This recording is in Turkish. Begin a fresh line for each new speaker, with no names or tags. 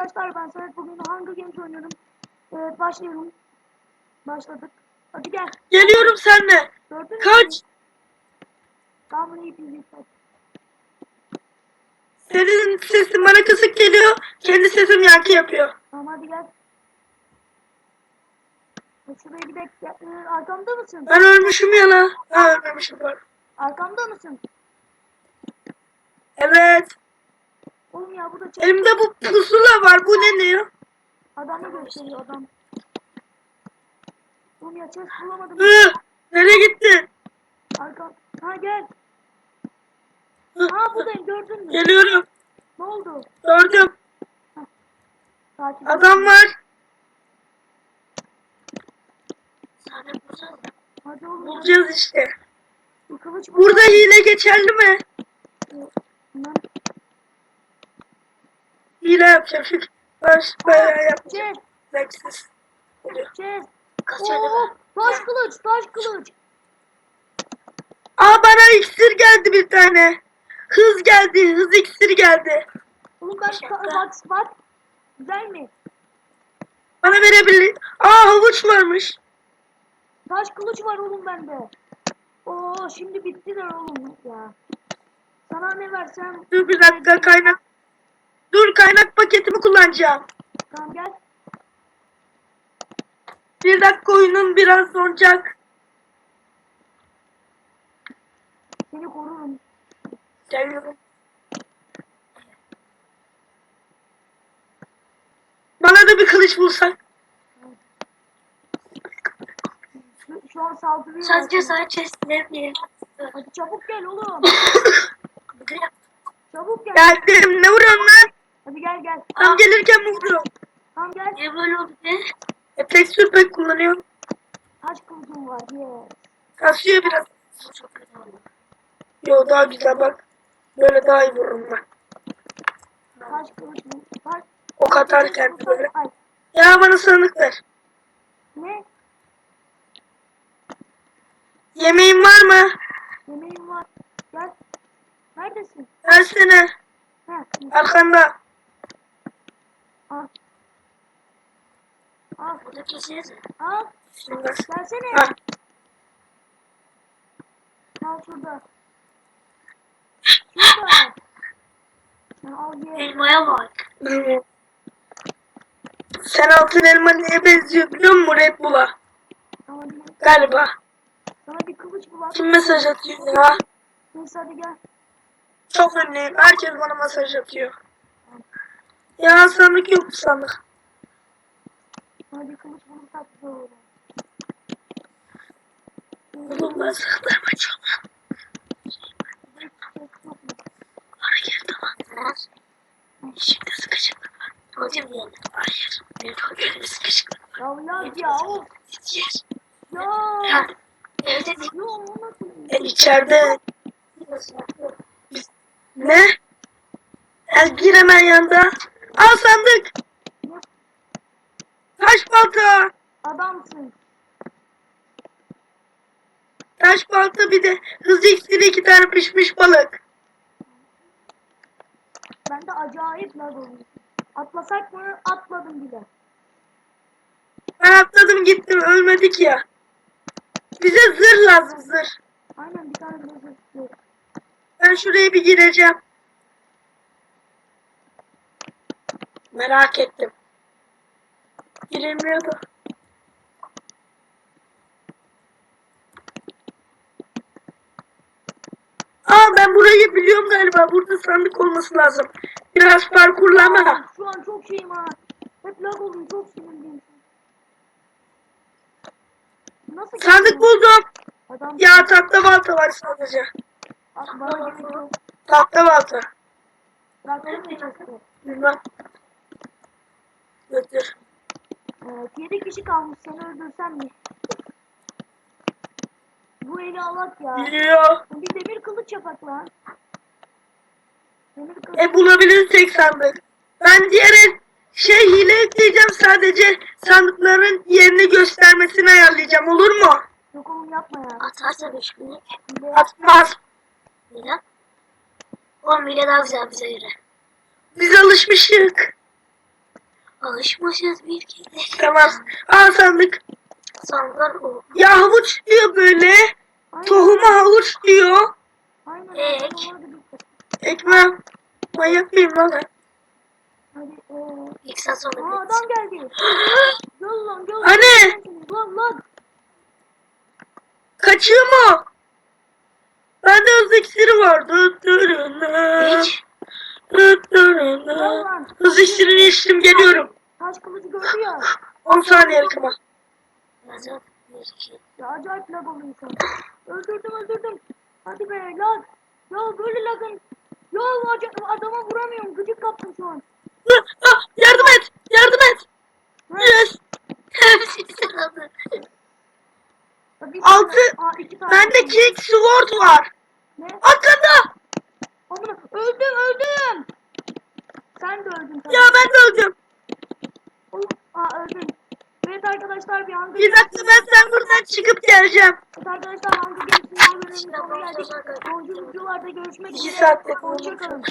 Arkadaşlar ben Samet, bugün Hunger Games oynuyorum. Evet, başlayalım. Başladık. Hadi gel.
Geliyorum seninle.
Gördün mü?
Kaç.
Tamam, bunu ipini kaç.
Senin sesin bana kısık geliyor. Kendi sesim yankı yapıyor.
Tamam, hadi gel. Şuraya gidelim. Arkamda mısın?
Ben ölmüşüm ya la. Ha, ölmemişim var.
Arkamda mısın?
Evet.
Oğlum ya, bu da çok...
Elimde bu pusula var. Bu ne diyor?
Adamı gösteriyor adam. Oğlum ya, chest bulamadım.
Nereye gittin?
Arkam. Ha, gel.
Hı,
Ha, buradayım, gördün mü?
Geliyorum.
Ne oldu?
Gördüm.
Takip
Adam
et.
var.
Hadi oğlum.
Bulacağız işte.
Bir kılıç
Burada hile geçerli mi?
Lan.
Hile yapacağım çünkü. Bayağı yapacağım.
Chest.
Zevksiz. Oluyor.
Chest.
Kaçardı
Oo,
ben.
taş kılıç, taş kılıç.
Aa, bana iksir geldi bir tane. Hız geldi. Hız iksiri geldi.
Oğlum bak. Güzel mi?
Bana verebilir. Aa, havuç varmış.
Taş kılıç var oğlum bende. Oo, şimdi bittiler oğlum ya. Sana ne versem...
Dur bir dakika, kaynak. Dur, kaynak paketimi kullanacağım.
Tamam, gel.
Bir dakika, oyunun biraz donacak.
Seni korurum.
Geliyorum. Bana da bir kılıç bulsak.
Şu an saldırıyor.
Sadece sana chestler diye.
Hadi çabuk gel oğlum. Çabuk gel.
Geldim. Ne vuruyorsun lan?
Hadi gel.
Tam gelirken mi vuruyorsun?
Tamam, gel.
Niye böyle oldu be? Tekstür pek kullanıyorum.
Taş kılıcım var. Yes.
Kasıyor biraz. Çok kötü oldu. Yo, daha güzel bak. Böyle daha iyi vururum ben.
Taş kılıç mı? Taş.
Ok atarken böyle.
Ay.
Ya bana sandık ver.
Ne?
Yemeğin var mı?
Yemeğim var. Gel. Neredesin?
Versene.
Heh.
Arkanda.
Al. Al.
Burada keseceğiz mi?
Al.
Şimdi.
Gelsene.
Ha.
Al şurada. Şurada. Al ye.
Elmaya bak. Sen altın elma neye benziyor biliyor musun? Red Bull'a.
Tamam,
Galiba.
sana bir kılıç bul.
Kim mesaj atıyor ya?
Neyse, hadi gel.
Çok ünlüyüm. Herkes bana mesaj atıyor. Ya sandık yok, sandık.
Sana bir kılıç bulursak güzel olur.
Oğlum ben saklarma çok. Hayır, tamam. Şimdi sıkışıklık var. Hocam yani. Hayır. Benim hocam sıkışıklık var.
Ya of.
Yer.
Ya.
Evde değil.
Yo, o nasıl?
İçeride. Ne? Gir hemen yanında. Al sandık. Taş balta.
Adamsın.
Taş balta, bir de hız iksiri, 2 tane pişmiş balık.
Ben de acayip lag oluyor. Atlasak mı? Atladım bile.
Ben atladım gittim, ölmedik ya. Bize zırh lazım, zırh.
Aynen, bir tane bile zırh.
Ben şuraya bir gireceğim. Merak ettim. Giremiyordu. Aa, ben burayı biliyorum galiba. Burada sandık olması lazım. Biraz parkurlama.
Şu an çok şeyim ha. Hep lag oluyor, çok sinirliyim. Nasıl
Sandık
geçiyor?
buldum.
Adam
Ya tahta balta var sadece.
bana gerek yok.
Tahta balta.
Bıraktım mı çocukları?
Bilmem. Götür.
7 kişi kalmış, seni öldürsem mi? Bu eli alak ya.
Biliyor.
Bir demir kılıç yapak lan. Demir kılıç.
Bulabilirsek sandık. Ben diğer hile ekleyeceğim, sadece sandıkların yerini göstermesini ayarlayacağım, olur mu?
Yok oğlum, yapma ya.
Atarsa 5 günlük.
Hile.
Atmaz.
Neden? 10 bile daha güzel bize göre.
Biz alışmışık.
Alışmışız bir kere.
Tamam. Al sandık.
Sandılar o.
Ya havuç diyor böyle.
Aynen.
Tohuma havuç diyor.
Aynen.
Ek.
Hadi bitti.
Ekmem. Manyak mıyım lan ben?
Hadi.
İlk saat sonra
Aa,
bitti.
adam geldi. Gel lan gel.
Hani?
Lan.
Kaçıyor mu? Bende hız iksiri var.
Hiç.
Hız iksirini içtim geliyorum.
Taş kılıcı gördü ya.
10 saniye yakama.
Yazık. Bir iki.
Ya acayip lag oluyor insan. Öldürdüm. Hadi be lag. Ya böyle lagın. Ya adama vuramıyorum. Gıcık kaptım şu an.
Yardım et. Yardım et. Yes.
Hepsini sen aldın.
Ya bir
Altı.
tane- Aa, 2 tane.
Bende King Sword var.
Ne?
Arkanda.
Amına öldüm. Sen de öldün tabii.
Ya ben de öldüm.
Aa öldün. Evet arkadaşlar bir Hunger
Bir dakika ben sen buradan çıkıp geleceğim.
Evet arkadaşlar Hunger Games'in bölümünün
İşte
sonuna geldik.
başlasak.
Sonraki videolarda görüşmek
2
üzere.
saatte
Hoşçakalın.